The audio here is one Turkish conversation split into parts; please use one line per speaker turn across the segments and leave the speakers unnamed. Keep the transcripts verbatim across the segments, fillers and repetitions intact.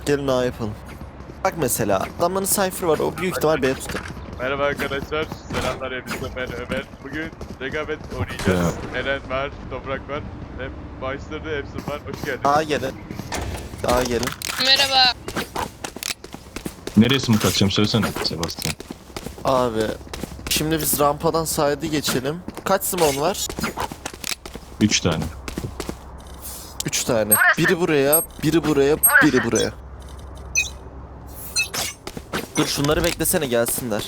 Gelin A yapalım. Bak mesela adamların Cypher var, o büyük ihtimal B tutar.
Merhaba arkadaşlar, selamlar hepinize, ben Ömer. Bugün rekabet oynayacağız. Eren var, Toprak var, hem başladı, hepsi var. Hoş geldiniz.
A gelin. A gelin.
Merhaba.
Nereye smoke atacağım söylesene Sebastian.
Abi şimdi biz rampadan side'ı geçelim. Kaç simon var?
Üç tane.
Üç tane. Biri buraya, biri buraya, biri buraya. Dur şunları beklesene gelsinler.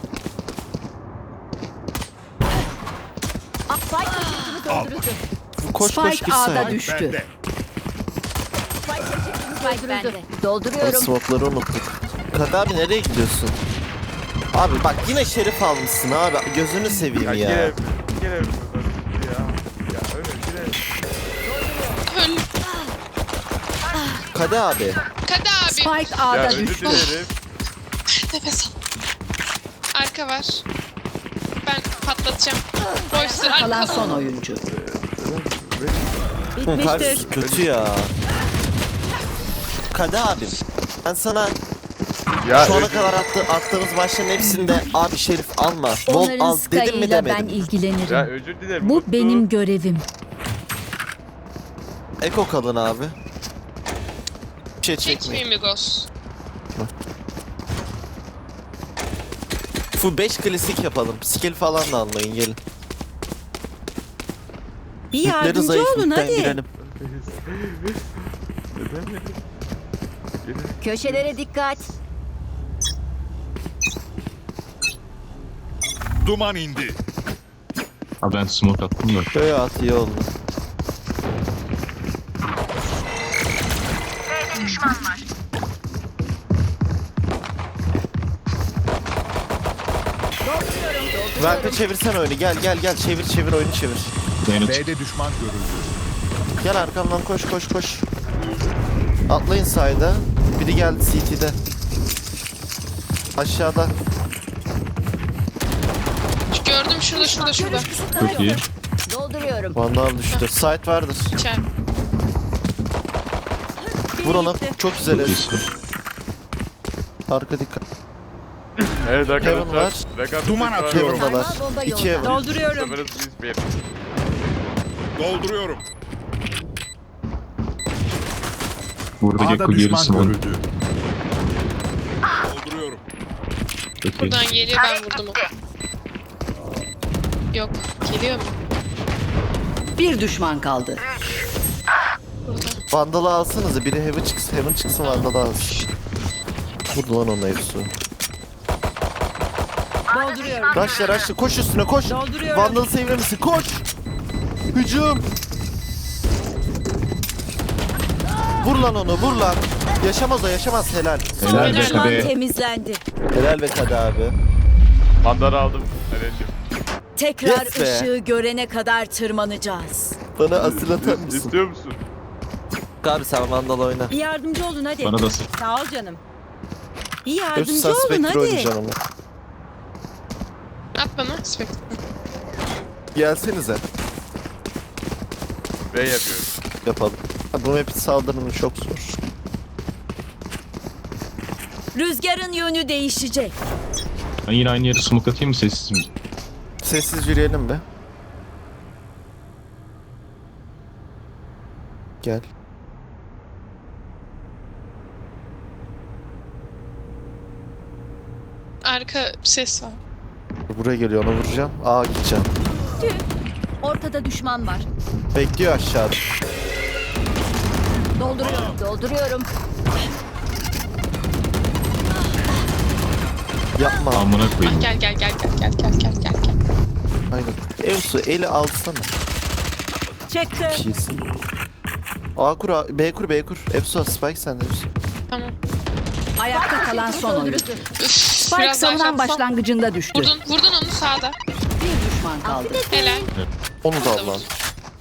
Koş koş
Spike
gir
A'da
side.
düştü.
Spike bende.
O
Dolduruyorum.
smoke'ları unuttuk. Kadı abi nereye gidiyorsun? Abi bak yine şerif almışsın abi. Gözünü seveyim
Ya,
ya.
gire, gire ya. Ya öyle gire.
Öl.
Kadı abi.
Kadı abi.
Spike
Ya
A'da
özür
düştü.
dilerim.
Nefes al. Arka var. Ben patlatacağım. Boyster
Kalan
arka.
son oyuncu.
Hı, karşısı kötü ya. Kadı abim. Ben sana
Ya
şu ana
özür-
kadar attı, attığımız maçların hepsinde abi şerif alma. Bol
Onların
al dedim mi
Sky'ıyla ben
demedim.
ilgilenirim.
Ya özür dilerim.
Bu
unuttum.
benim görevim.
Eko kalın abi. Bir şey çekmeyin.
Çekmeyeyim Migos.
Full beş klasik yapalım. Skill falan da anlayın gelin.
Bir
Yükleri
yardımcı
zayıf,
olun
yükten
hadi.
girelim.
Köşelere dikkat.
Duman indi.
Ha ben smoke attım da.
Böyle at iyi oldu. Verpe çevirsen oyunu gel gel gel çevir çevir oyunu çevir.
Yayına çık.
B'de düşman görüldü.
Gel arkamdan koş koş koş. Atlayın sayda. Biri geldi C T'de. Aşağıda.
Gördüm şurada şurada şurada.
Çok iyi.
Dolduruyorum.
Vandal düştü. Site vardır.
İçer.
Vur onu. Çok güzel.
Çok
herif.
iyisin.
Arka dikkat.
Evet
Kevin var.
arkadaşlar. Rekabet
Duman
var.
atıyorum.
Kevin'dalar.
Sarmal bomba
İkiye
yolda.
vur.
Dolduruyorum.
Sıfırız biz bir.
Dolduruyorum.
Burada
A'da
Gekko
düşman
gerisi var.
görüldü. Dolduruyorum.
Çok iyi.
Buradan geliyor ben vurdum onu. Yok. Geliyor mu?
Bir düşman kaldı.
Burada.
Vandal'ı alsanıza. Biri Heaven çıksın. Heaven çıksın Vandal'ı alsın. Vurdu lan onun hepsi.
Dolduruyorum.
Raşla raşla koş üstüne koş.
Dolduruyorum.
Vandal'ı sevmemişsin koş. Hücum. Vur lan onu vur lan. Yaşamaz o yaşamaz helal.
Helal be
Helal lan.
tabi.
Temizlendi.
Helal be Kadı abi.
Mandarı aldım. Eren'cim.
Tekrar
Yes be.
ışığı görene kadar tırmanacağız.
Bana asil atar mısın?
İstiyor musun?
Abi sen Vandal oyna.
Bir yardımcı olun hadi.
Bana da sık.
Sağ ol canım. Bir
Göz
yardımcı olun
Spectre
hadi.
oynayacaksın ama.
At bana. Spectre.
Gelsenize.
B yapıyorum.
Yapalım. Ha, bu map'in saldırımı çok zor.
Rüzgarın yönü değişecek.
Ben yine aynı yere smoke atayım mı sessiz mi?
Sessiz yürüyelim be. Gel.
Arka ses var.
Buraya geliyor ona vuracağım. Aa gideceğim.
Ortada düşman var.
Bekliyor aşağıda.
Dolduruyorum. Dolduruyorum.
Yapma.
Amına
Ah,
koyayım.
gel gel gel gel gel gel gel gel gel.
Aynen. Evsu eli alsana.
Çekti.
Bir şeysin. A kur A, B kur B kur. Evsu Spike sende Evsu.
Tamam.
Ayakta kalan son oyuncu.
Üf,
Spike
biraz daha
savunan
şans-
başlangıcında düştü.
Vurdun, vurdun onu sağda.
Bir düşman kaldı.
Helal.
Onu da al lan.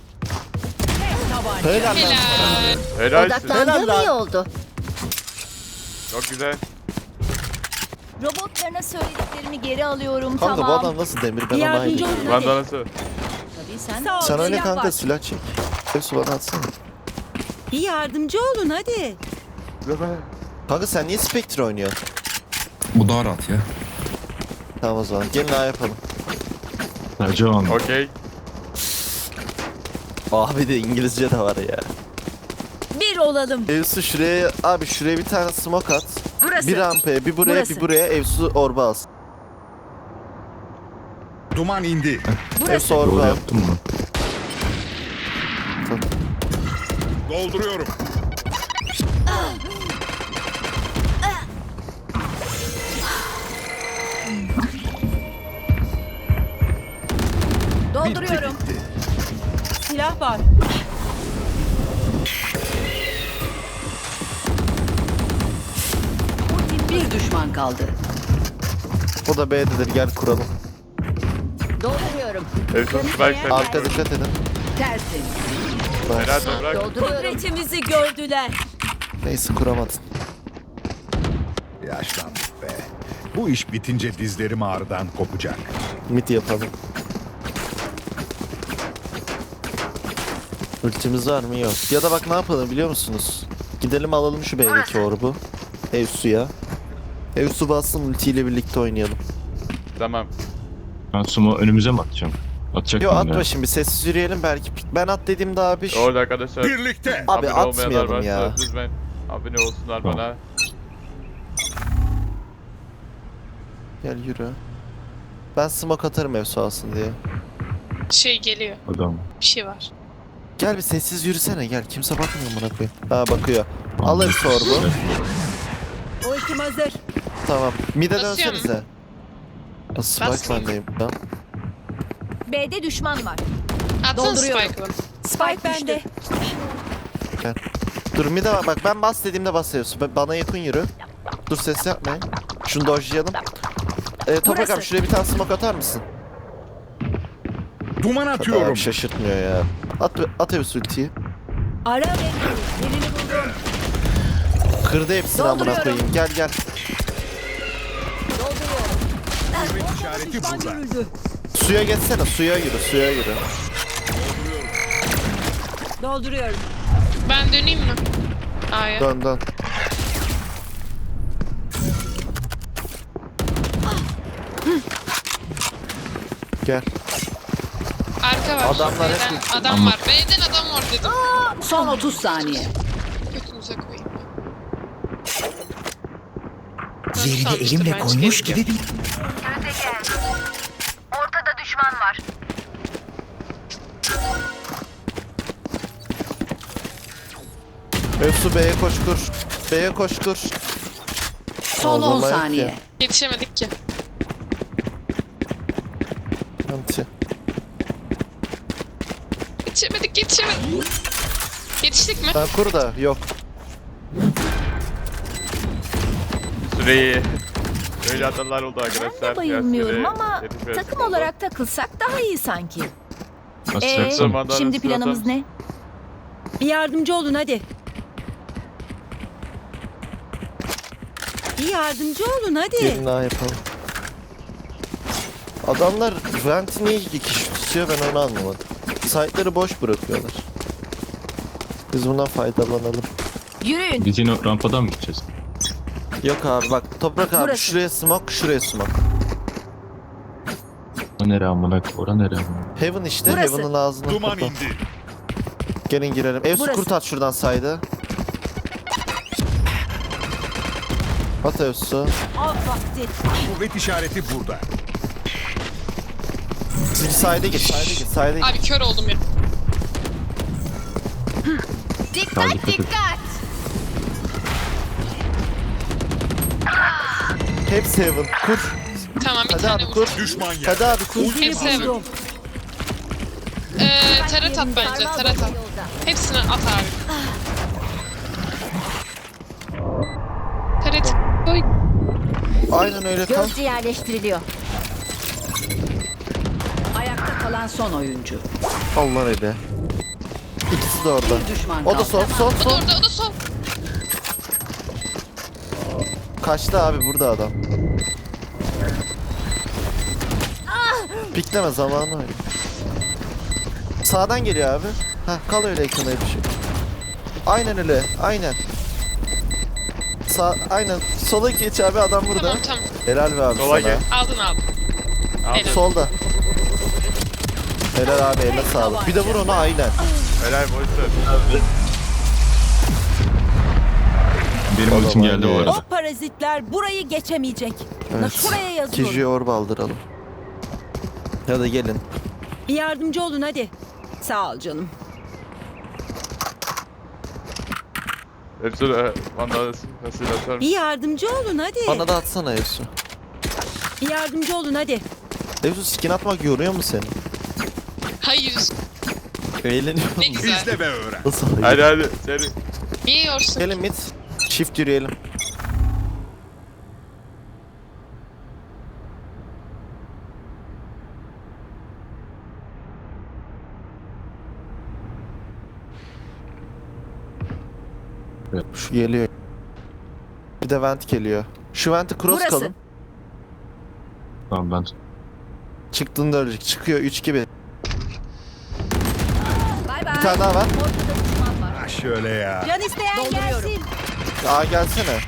Helal lan.
Helal.
Helalsin.
Odaklandığım
Helal lan.
iyi oldu.
Çok güzel.
Robotlarına söylediklerimi geri alıyorum.
Kanka bu
tamam.
adam nasıl demir ben
Bir
ona
yardımcı
ayrı.
olun hadi.
Manda nasıl?
Tabii sen.
Sağ ol,
Sen öyle
silah
kanka
var.
silah çek. Evsu bana atsana.
Bir yardımcı olun hadi.
Kanka sen niye Spectre oynuyorsun?
Bu daha rahat ya.
Tamam o zaman. Gelin A yapalım.
Ercan.
Okey.
Abi de İngilizce de var ya.
Bir olalım.
Evsu şuraya, abi şuraya bir tane smoke at.
Burası.
Bir rampaya, bir buraya,
Burası.
bir buraya. Evsu orba alsın.
Duman indi.
Evsu
Doğru
orba al.
yaptın mı?
Dolduruyorum.
Dolduruyorum.
Silah var. Bir düşman kaldı.
O da B'dedir, gel kuralım.
Dolduruyorum.
Evsun Spike sen.
Arka dikkat edin.
Tertemiz.
Helal toprak.
Dolduruyorum.
Kudretimizi gördüler.
Neyse kuramadın.
Yaşlandık be. Bu iş bitince dizlerim ağrıdan kopacak.
Mid yapalım. Ultimiz var mı? Yok. Ya da bak ne yapalım biliyor musunuz? Gidelim alalım şu B'deki orbu. Evsu'ya. Evsu bassın, ultiyle birlikte oynayalım.
Tamam.
Ben sumo önümüze mi atacağım? Atacak
Yo
mıyım ya?
atma şimdi, sessiz yürüyelim belki. Ben at dediğimde abi. şu-
Orada arkadaşlar.
Birlikte.
Abi
abone olmayanlar
atmayalım
varsa
ya.
Lütfen abone olsunlar
Tamam.
bana.
Gel yürü. Ben smoke atarım Evsu alsın diye.
Şey geliyor.
Adam.
Bir şey var.
Gel bir sessiz yürüsene gel. Kimse bakmıyor bana koyayım. Ha bakıyor. Al Evsu orbu.
Ultim hazır.
Tamam. Mid'e
Basıyor mu?
dönsenize. Nasıl Spike
Basmıyor.
bendeyim ben.
B'de düşman var.
Atsana
Dolduruyorum.
Spike'ı bana.
Spike bende.
Dur mid'e bak. Bak ben bas dediğimde basıyorsun. Ben- Bana yakın yürü. Dur ses yapmayın. Şunu dojlayalım. Ee, Toprak
Burası.
abi şuraya bir tane smoke atar mısın?
Duman
Abi
atıyorum.
şaşırtmıyor ya. At, at Evsu ultiyi.
Ara beni. Yerini buldum.
Kırdı hepsini amına
Dolduruyorum.
koyayım. Gel gel.
Dolduruyorum.
İşareti
Düşman
burada.
görüldü.
Suya geçsene. Suya yürü. Suya yürü.
Dolduruyorum.
Ben döneyim mi? A'ya.
Dön dön. Gel.
Arka var.
Adamlar hep-
B'den adam var. B'den adam var dedim.
Son otuz saniye.
Götünüze koyayım.
Yerine elimle koymuş gibi bir...
Ortada düşman var.
Evsu B'ye koş kur. B'ye koş kur.
Son on
Ağzına yok
saniye.
ya.
Yetişemedik ki.
Anti.
Yetişemedik yetişemedik. Yetiştik mi?
Ben kur da yok.
Süreyi. Böyle hatalar oldu arkadaşlar.
Ben de bayılmıyorum
Ya,
ama
süre- yetişmez
takım
oldu.
olarak takılsak daha iyi sanki. Ee,
Basacaksın.
Zamandan
şimdi
hızlı
planımız
atalım.
ne?
Bir yardımcı olun hadi. Bir yardımcı olun hadi.
Gelin daha yapalım. Adamlar Vent'i niye iki kişi tutuyor ben onu anlamadım. Site'ları boş bırakıyorlar. Biz bundan faydalanalım.
Yürüyün.
Biz yine rampadan mı gideceğiz?
Yok abi bak Toprak abi
Burası.
şuraya smoke, şuraya smoke.
O nere amına? Ora nere amına?
Heaven işte,
Burası.
Heaven'ın ağzına
Duman
kapa.
indi.
Gelin girelim. Evsu
Burası.
kurt at şuradan saydı. At Evsu.
Av vakti.
Kuvvet işareti burada.
Siz sayda git, sayda git, sayda git.
Abi kör oldum ya.
Daha dikkat et.
Hepsi Heaven. Kur.
Tamam bir
Hadi
tane
abi
vur.
kur.
Düşman yer.
Hadi abi kur.
Hepsi evet. Ee, taret at bence taret at. Hepsini at abi. Taret koy.
Aynen öyle kal.
Gözcü yerleştiriliyor.
Ayakta kalan son oyuncu.
Allah öyle. İkisi de orada.
Bir düşman
O da
kaldı.
sol, sol,
O da
sol.
orada o da sol.
Kaçtı abi burada adam. Pikleme zamanı öyle. Sağdan geliyor abi. Heh kal öyle ekrana bir şey. Aynen öyle aynen. Sağ, aynen. Sola geç abi, adam burada.
Tamam tamam.
Helal be abi
Sola
sana.
gel.
Aldın aldın.
Abi,
Helal.
Solda. Helal abi, eline sağlık. Bir de vur onu aynen.
helal boşver.
Benim
O
ultim
zaman
geldi bu
ye.
arada.
O parazitler burayı geçemeyecek. Na
Evet.
şuraya yazıyorum.
Kiji'ye orba aldıralım. Ya da gelin.
Bir yardımcı olun hadi. Sağ ol canım.
Hepsi e, bana nasıl atar?
Bir yardımcı olun hadi.
Bana da atsana Evsu.
Bir yardımcı olun hadi.
Evsu skin atmak yoruyor mu seni?
Hayır.
Eğleniyor
Ne
musun?
güzel.
İzle ve öğren.
Nasıl
Hadi
hayır?
hadi seni.
Niye yorsun?
Gelin mid. Shift yürüyelim.
Evet.
Şu geliyor. Bir de vent geliyor. Şu venti cross
Burası.
kalın.
Tamam ben
Çıktığında ölecek. Çıkıyor üç gibi.
Bay
Bir
bay.
tane daha var.
Ha şöyle ya.
Can isteyen gelsin.
Aa gelsene.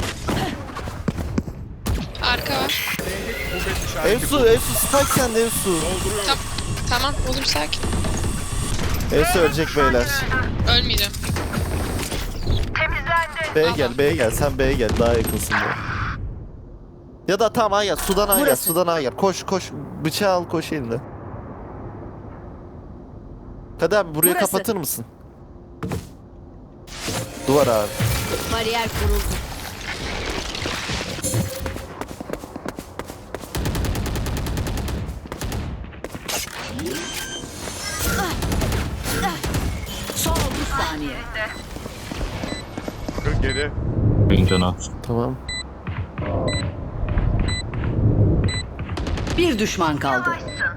Arka var.
Evsu, Evsu spike sende Evsu.
Tam, tamam oğlum sakin.
Evsu ölecek beyler.
Ölmeyeceğim.
B'ye gel, B'ye gel. Sen B'ye gel. Daha yakınsın be. Ya da tamam A'ya gel. Sudan A'ya gel.
Burası.
Sudan A'ya gel. Koş koş. Bıçağı al koş elinde. Hadi abi burayı
Burası.
kapatır mısın? Duvar abi.
Bariyer kuruldu.
Son otuz saniye.
kırk geri.
benim cana.
Tamam.
Bir düşman kaldı.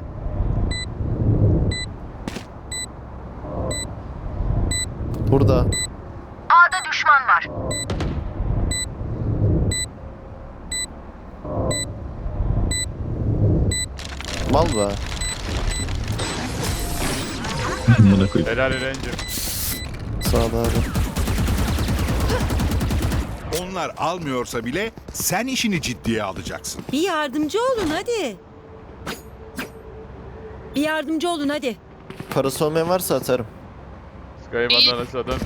Burada.
A'da düşman var.
Mal be.
Buna koyayım.
Helal Eren'cim.
Sağda abi.
Onlar almıyorsa bile sen işini ciddiye alacaksın.
Bir yardımcı olun hadi. Bir yardımcı olun hadi.
Parası olmayan varsa atarım.
Sky
İyi.
bana nasıl adam?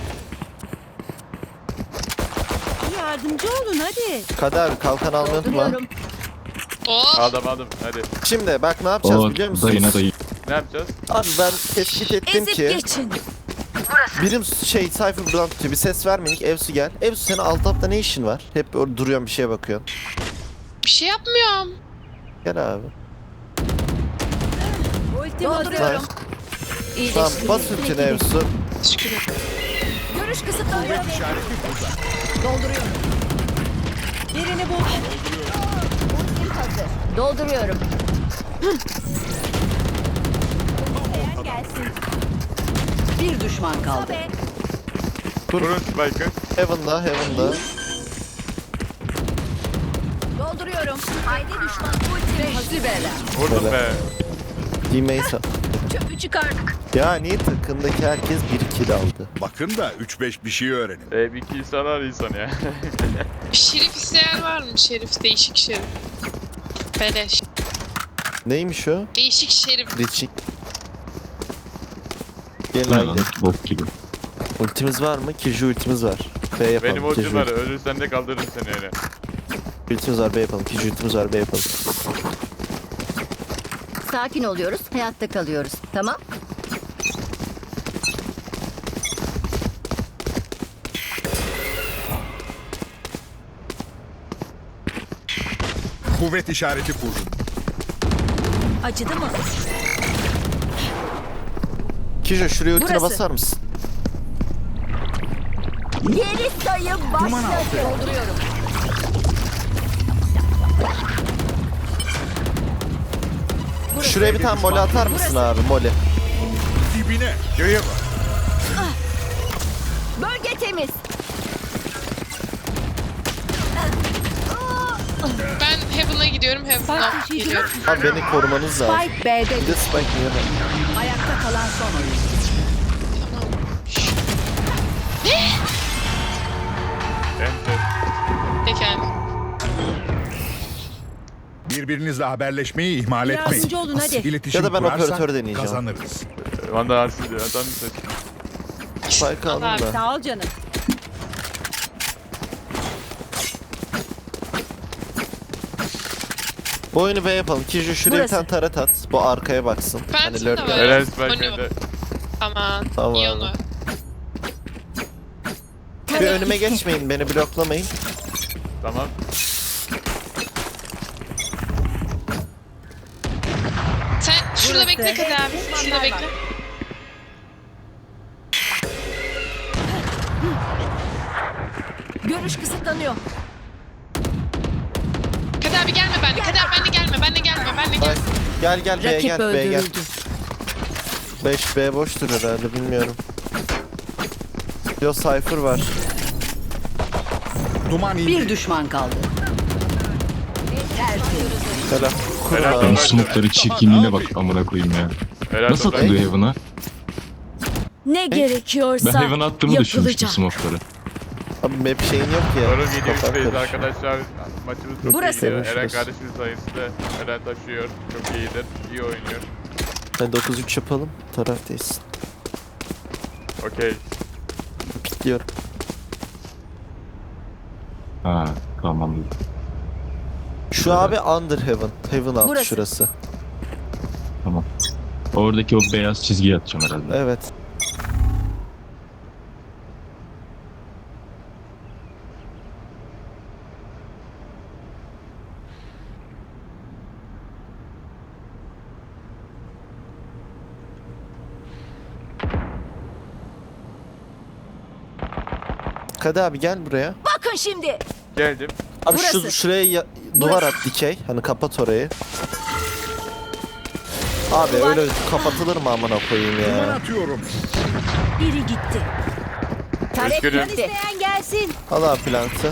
Bir yardımcı olun hadi.
Kader kalkan almayı unutma.
Dolduruyorum.
Oh.
Aldım aldım hadi.
Şimdi bak ne yapacağız
O
biliyor musunuz?
dayına dayı.
Ne yapacağız?
Abi ben tespit ettim
Ezip
ki
geçin.
birim şey Cypher buradan tutuyor. Bir ses vermedik. Evsu gel. Evsu senin alt tapta ne işin var? Hep orada duruyorsun bir şeye bakıyorsun.
Bir şey yapmıyorum.
Gel abi.
Ultim hazır.
Dolduruyorum.
Nice. Tamam bas ultini Evsu.
Teşekkür ederim.
Görüş kısıtlanıyor.
Dolduruyorum. Birini bul.
Ultim hazır. Dolduruyorum. İsteyen gelsin.
Bir düşman kaldı.
Tabii.
Kurun Spike'ı.
Heaven'da, Heaven'da.
Dolduruyorum. Haydi düşman. Ultim
Hadi beyler.
Vurdum
Helal.
be.
D-Mace'a.
çöpü çıkardık.
Yani takımdaki herkes bir kill aldı.
Bakın da üç beş bir şey öğrenin.
E bir kill sanar insan ya.
Şerif isteyen var mı? Şerif, değişik şerif. Beleş.
Neymiş o?
Değişik şerif.
Reaching. Gel
Bu ne lan?
haydi.
Bok gibi.
Ultimiz var mı? Kiju ultimiz var. B yapalım.
Benim ultim
Kiju
var. Ölürsen de kaldırırım seni öyle.
ultimiz var B yapalım. Kiju ultimiz var B yapalım.
Sakin oluyoruz. Hayatta kalıyoruz. Tamam.
Kuvvet işareti kurdum.
Acıdı mı?
Kiju şuraya ultine
Burası.
basar mısın?
Geri sayım başladı. Dolduruyorum.
Şuraya bir tane mole atar mısın abi mole?
Dibine. Göğe bak.
Bölge temiz.
Ben Heaven'a gidiyorum. Heaven'a
Spike taşıyıcı.
geliyorum.
Abi beni korumanız lazım.
Spike B'de.
Bir de Spike niye ben?
Ayakta kalan son oyuncu.
Tamam.
Enter.
Birbirinizle haberleşmeyi ihmal etmeyin.
Yardımcı olun, hadi.
İletişim
Ya da ben
kurarsak
operatör deneyeceğim.
kazanırız.
Vanda Arsi diyor. Adam mı seç?
Spike aldım
abi.
da.
Sağ ol canım.
Bu oyunu B yapalım. Kiju şuraya bir
Burası.
tane taret at. Bu arkaya baksın. Hani
Phantom da
lurk
var.
Eren
Onu-
Spike'de.
Aman.
Tamam
İyi
abi.
onu.
Bir önüme geçmeyin, beni bloklamayın.
Tamam.
Sen şurada
Burası.
bekle Kadir abi. Şurada bekle.
Görüş kısıtlanıyor.
Kadir abi gelme benimle. Kadir abi benimle gelme. Benimle gelme. Benimle
Ay,
gelme.
gel gel B'ye
Rakip
gel B'ye gel.
öldürüldü.
beş B boştur herhalde, bilmiyorum. Yo Cypher var.
Duman indi.
Bir düşman kaldı.
Selam. Kurun
Helal.
abi.
Ben smoke'ları çirkinliğine bak amına koyayım ya.
Eren
Nasıl
Toprak.
atılıyor Heaven'a?
Ne
Ben
gerekiyorsa
Heaven'a attığımı düşünmüştüm
yapılacak.
smoke'ları.
Abi map şeyin yok ya.
Sorun yedi
Kafam
üçteyiz
karışıyor.
arkadaşlar. Maçımız çok
Burası.
iyi gidiyor.
Senin
Eren
şurası.
kardeşimiz sayesinde Eren taşıyor. Çok iyidir. İyi oynuyor.
Ben dokuz üç yapalım. Taraftayız.
Okey.
Pikliyorum.
Ha tamam.
Şu abi under heaven. Heaven alt
Burası.
şurası.
Tamam. Oradaki o beyaz çizgiyi atacağım herhalde.
Evet. Kadı abi gel buraya.
Bakın şimdi.
Geldim.
Abi şu
Burası.
şuraya ya- duvar at dikey. Hani kapat orayı. Abi öyle kapatılır mı amına koyayım
Duman
ya.
atıyorum.
Biri gitti.
Tarek
Üzgünüm.
gitti.
İsteyen gelsin.
Al abi plantı.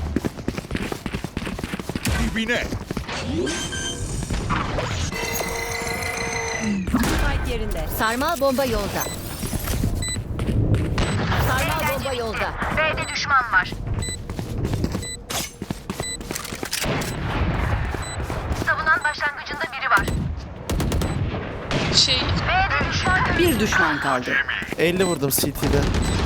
Dibine.
Spike yerinde.
Sarmal bomba yolda. Sarmal bomba yolda. B'de düşman var. Savunan başlangıcında biri var.
Şey.
B'de düşman
Bir düşman kaldı.
elli vurdum C T'de.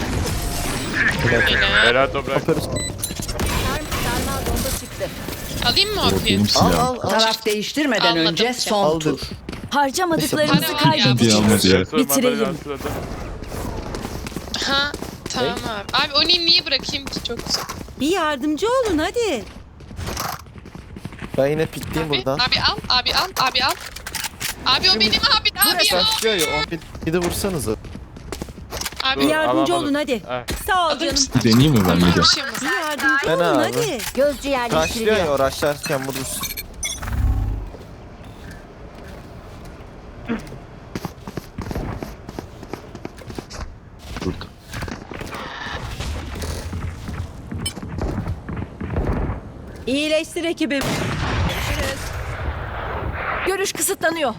Yine.
Eren Toprak.
Operatör.
Sar, sarmal bomba çıktı.
Alayım mı
O
O P'yi?
benim
Al
silahım.
al al.
Taraf değiştirmeden
Anladım.
önce son
Al
tur.
dur.
Harcamadıklarımızı
Para var ya.
Diye
kaybedeceğiz.
almadı ya.
Bitirelim.
Ha. Tamam abi. Abi onu niye bırakayım ki? Çok güzel.
Bir yardımcı olun hadi.
Ben yine pikleyeyim
Abi,
buradan.
abi al. Abi al. Abi al. Abi o benim abi. Abi al.
Başlıyor ya. on bir, bir de vursanıza.
Abi
Bir yardımcı
alamadım.
olun hadi.
Ha.
Sağ ol
alır
canım.
mısın?
Bir deneyeyim mi ben bir de?
Bir şey olmaz.
Bir yardımcı
Ben
olun
abi.
hadi.
Gözcü
Başlıyor
yerleştiriliyor.
ya uğraşlarken vurursun.
Burada.
İyileştir ekibim.
Görüş kısıtlanıyor.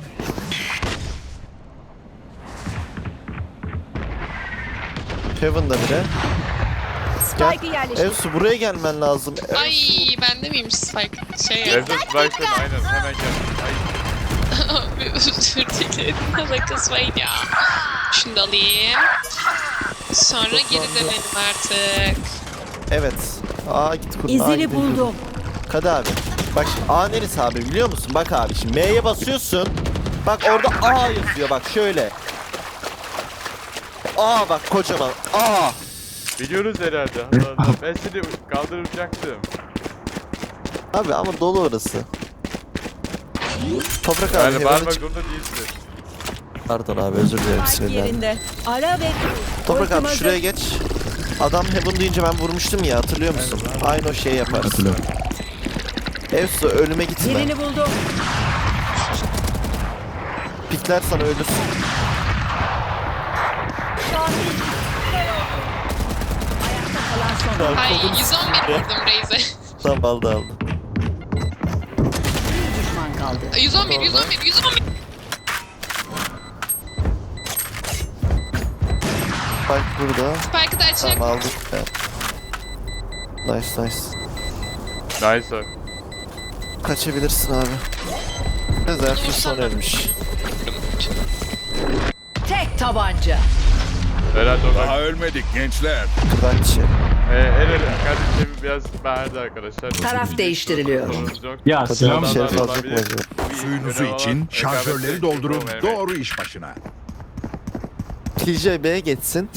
Heaven'da bile.
Spike'ı yerleştir.
Evsu buraya gelmen lazım.
Ay bende miymiş Spike? Şey ya.
Eren Spike'ın aynen hemen gel. Ay.
Abi özür dilerim. Alakası var ya. Şunu da alayım. Sonra geri dönelim artık.
Evet. Aa git kurun. Aa,
İzini
gidin
buldum.
kurun. Kadı abi. Bak şimdi A neresi abi biliyor musun? Bak abi şimdi M'ye basıyorsun. Bak orada A yazıyor bak şöyle. A bak kocaman. A.
Biliyoruz herhalde. Allah Allah. Ben seni kaldıracaktım.
Abi ama dolu orası. Toprak abi
Yani
Heaven'ı
bağırmak
çık.
zorunda değilsin.
Pardon abi özür dilerim
Spike
sinirlendim.
yerinde. Ara ve
Toprak
Ultim
abi
hazır.
şuraya geç. Adam Heaven deyince ben vurmuştum ya hatırlıyor musun? Aynı o şeyi yaparız.
Hatırlıyorum.
Evsu ölüme gitme.
Yerini buldum.
Pikler sana ölürsün.
Ayakta kalan son.
Ay
Kodum
yüz on bir vurdum Reis'e.
Tamam aldı aldı.
Bir düşman kaldı.
yüz on bir, yüz on bir, yüz on bir.
Bak burada.
Spike'ı da açık.
Tamam aldık. Evet. Nice nice.
Nice.
Kaçabilirsin abi. Zerfin son ölmüş.
Tek tabanca.
Helal toprak.
Daha ölmedik gençler.
Kıvanç'ı.
Ee, en önemli kardeşim biraz bağırdı arkadaşlar.
Taraf değiştiriliyor.
Sorunumuz yok.
Ya
Hadi
silahım
abi, şerif
Silahlar
alacak mı
olabilir.
acaba?
Suyunuzu
Görev
için
alan,
şarjörleri
rekabette
doldurun.
olmayan
Doğru iş başına.
T J B'ye geçsin.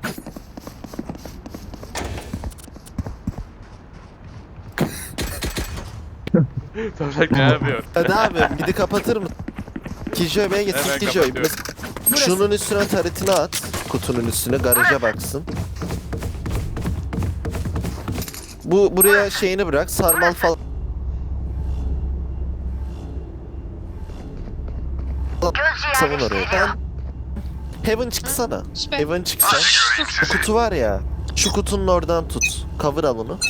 Toprak ne yapıyor?
Hadi abi midi kapatır mı? T J B'ye geçsin
Hemen
T J.
kapatıyorum.
Şunun üstüne taretini at. Kutunun üstüne garaja baksın. Bu buraya şeyini bırak. Sarmal falan. Savun oraya. Ben Heaven çıksana.
Süper.
Heaven çıksan. Bu kutu var ya. Şu kutunun oradan tut. Cover al onu.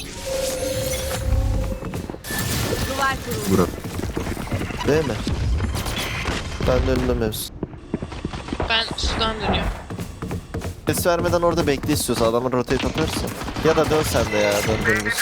Duvar kurulu.
Değil mi? Ben de önünde mevzu.
Ben sudan dönüyorum.
Ses vermeden orada bekle istiyorsa adamı rotate atarsa. Ya da dön sen de ya döndürürüz.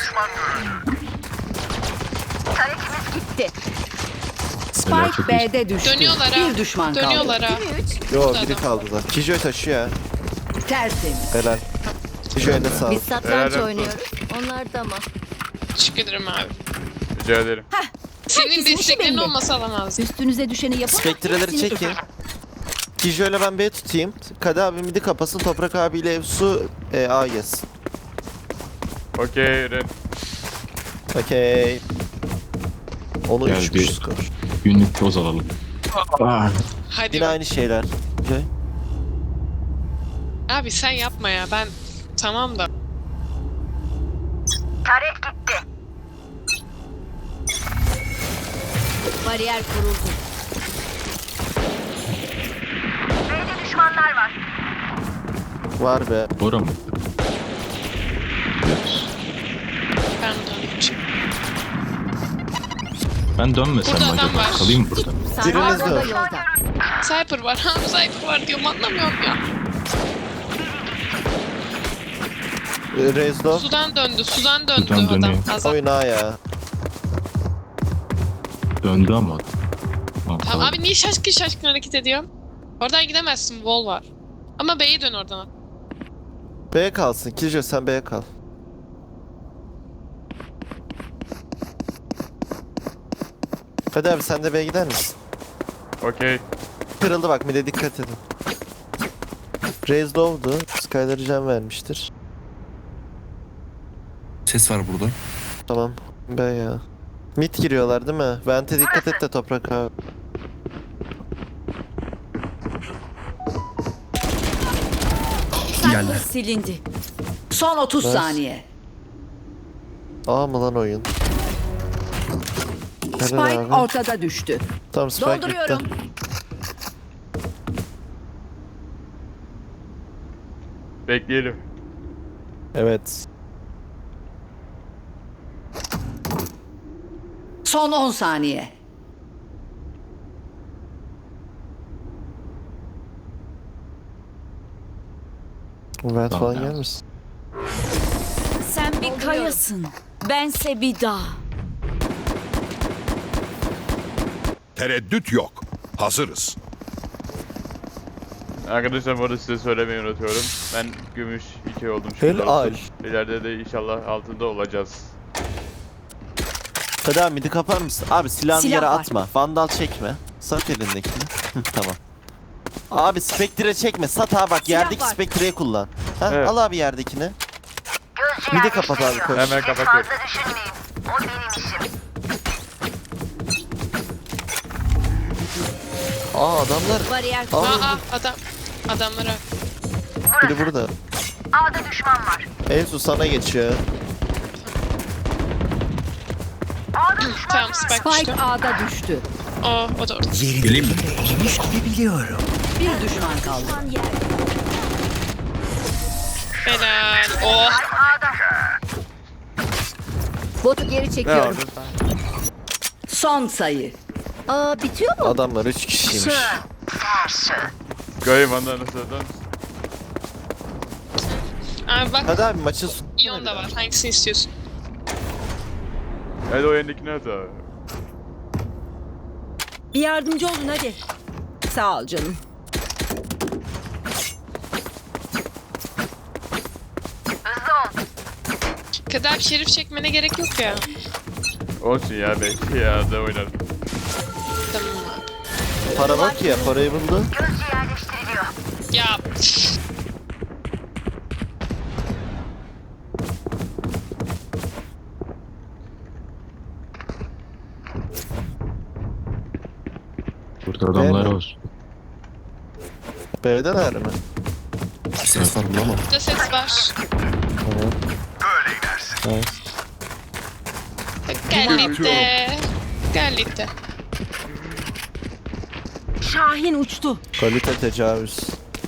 Gitti.
Helal, çok
Spike
iyi.
B'de düştü.
Dönüyorlar ha.
Bir düşman kaldı.
Dönüyorlar ha.
Yo
Burada
biri
adam.
kaldı da. Kijoy taşıyor ya.
Tertemiz.
Helal. Kijoy'a ne sağ ol.
Biz satranç
Helal olsun.
oynuyoruz. Onlar da mı?
Teşekkür ederim abi.
Rica ederim.
Senin
Herkesin işi
desteklerin
belli.
olmasa alamazdım.
Üstünüze düşeni yapın.
Spektreleri
hepsini
çekin.
öper.
Kijoy'la ben B tutayım. Kadı abi midi kapasın. Toprak abiyle Evsu e, A yesin.
Okey Ren.
Okey. Onu
Gel
üç
bir-
buçuk skor.
Günlük toz alalım. Ah,
Hadi.
Yine
bak.
aynı şeyler. Kijoy.
Abi sen yapma ya. Ben tamam da.
Bariyer kuruldu.
Var be.
Bora mı? Gidiyoruz.
Ben döneceğim.
Ben dönmesem
Burada
mi
adam
acaba?
var.
Kalayım mı burada?
Sarmal
Biriniz
bomba
de.
yolda.
Cypher var. Ha Cypher var diyorum anlamıyorum ya.
E, Rezdo.
Sudan döndü. Sudan döndü
Sudan
adam.
dönüyor.
Azap.
Oyun A ya.
Döndü ama adam. Tamam,
Tamam abi niye şaşkın şaşkın hareket ediyorsun? Oradan gidemezsin. Wall var. Ama B'ye dön oradan.
B'ye kalsın. Kijoy sen B'ye kal. Hadi abi sen de B'ye gider misin?
Okey.
Kırıldı bak mide dikkat edin. Raze doğdu. Skyler'ı can vermiştir.
Ses var burada.
Tamam. B ya. Mid giriyorlar değil mi? Vente dikkat et de toprak abi.
Geldi.
Silindi. Son otuz
Nice.
saniye.
A mı lan oyun? Helal
Spike
abi.
ortada düştü.
Tamam Spike
Dolduruyorum.
bitti.
Bekleyelim.
Evet.
Son on saniye.
Vent
Tamam
falan
ya.
gelmesin.
Sen bir kayasın. Bense bir dağ.
Tereddüt yok. Hazırız.
Arkadaşlar bu arada size söylemeyi unutuyorum. Ben gümüş iki oldum şurada.
Helal.
İleride de inşallah altında olacağız.
Hadi abi midi kapar mısın? Abi silahını
Silah
yere
var.
atma. Vandal çekme. Sat elindekini. Hı, tamam. Abi spektre çekme. Sat abi bak
Silah
yerdeki
var.
spektreyi kullan. Ha,
Evet.
al abi yerdekini. Midi kapat abi koş.
Hemen kapatıyorum.
Aa adamlar.
Bariyer
Aa,
kuruldu.
Aa adam. Adamlara.
biri burada. A'da düşman var. Evsu sana geçiyor.
Tamam Spike
Spike
düştü.
A'da düştü.
O, o da orada.
Yerini
Geleyim mi?
elimle eğmiş gibi biliyorum.
Bir düşman kaldı.
Helal. Oh.
Botu geri
Ne
çekiyorum.
oldu?
Son sayı.
Aa bitiyor mu?
Adamlar üç kişiymiş.
Goyim ondan nasıl dön?
Abi bak
Hadi abi maçı
Ion da var. Hangisini istiyorsun?
Hadi o yendekini at abi.
Bir yardımcı olun hadi. Sağ ol canım.
Kadar bir şerif çekmene gerek yok ya.
Olsun ya belki ya da oynarım.
Tamam abi.
Para bak ya, parayı buldu.
Ya
Burada adamlar
Değil mi?
var.
B'deler mi?
Ses var burada ama.
burada ses var.
Tamam. Evet.
Gallite. Gallite.
Şahin uçtu.
Kalite tecavüz.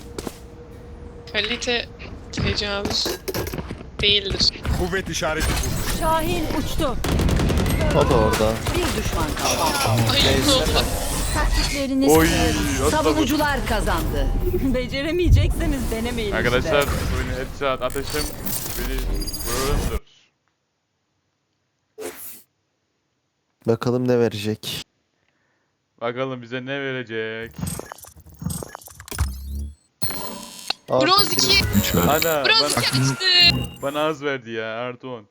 Kalite tecavüz değildir.
Kuvvet işareti kurdu.
Şahin uçtu.
O da orada.
Bir düşman kaldı.
Ay
Neyse.
ne oldu?
Taktikleriniz
Oy,
kırıldı.
atladım.
Savunucular kazandı. Beceremeyecekseniz denemeyin
Arkadaşlar
işte.
oyunu headshot ateşim beni vururumdur.
Bakalım ne verecek.
Bakalım bize ne verecek.
Artı
Bronz
bir-
iki.
üç ver.
Ana
Bronz
bana,
iki açtı.
bana az verdi ya artı on.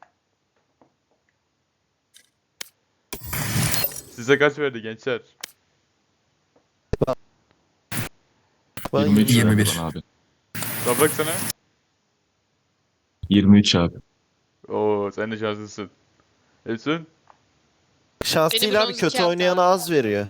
Size kaç verdi gençler?
Bana
yirmi üç
yirmi bir.
ver bana abi.
Toprak sana.
yirmi üç abi.
Oo sen de şanslısın. Efsun?
Şans
Beni
değil abi,
bronz
kötü
iki yaptı
oynayana
abi.
az veriyor.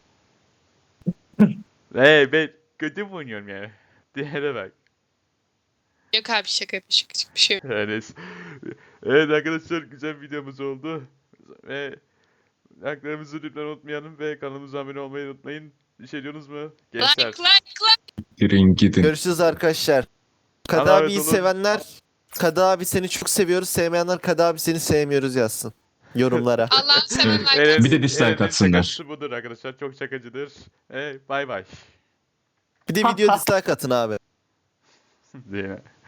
Hey ben kötü mü oynuyorum ya? Diğere bak.
Yok abi şaka yapmış. Küçük bir şey yok.
Yani, evet arkadaşlar güzel videomuz oldu. Ve haklarımızı lütfen unutmayalım ve kanalımıza abone olmayı unutmayın. Bir şey diyorsunuz mu? Gençler.
Like like like.
Girin gidin.
Görüşürüz arkadaşlar. Kadı
Allah'a
abiyi
emanet olun.
sevenler, Kadı abi seni çok seviyoruz. Sevmeyenler Kadı abi seni sevmiyoruz yazsın. Yorumlara.
Allah'ın sevenler.
Eren'in-
Bir de dislike
Eren'in
atsınlar.
şakası budur arkadaşlar. Çok şakacıdır. Hey bay bay.
Bir de video dislike atın abi.
Zeyne.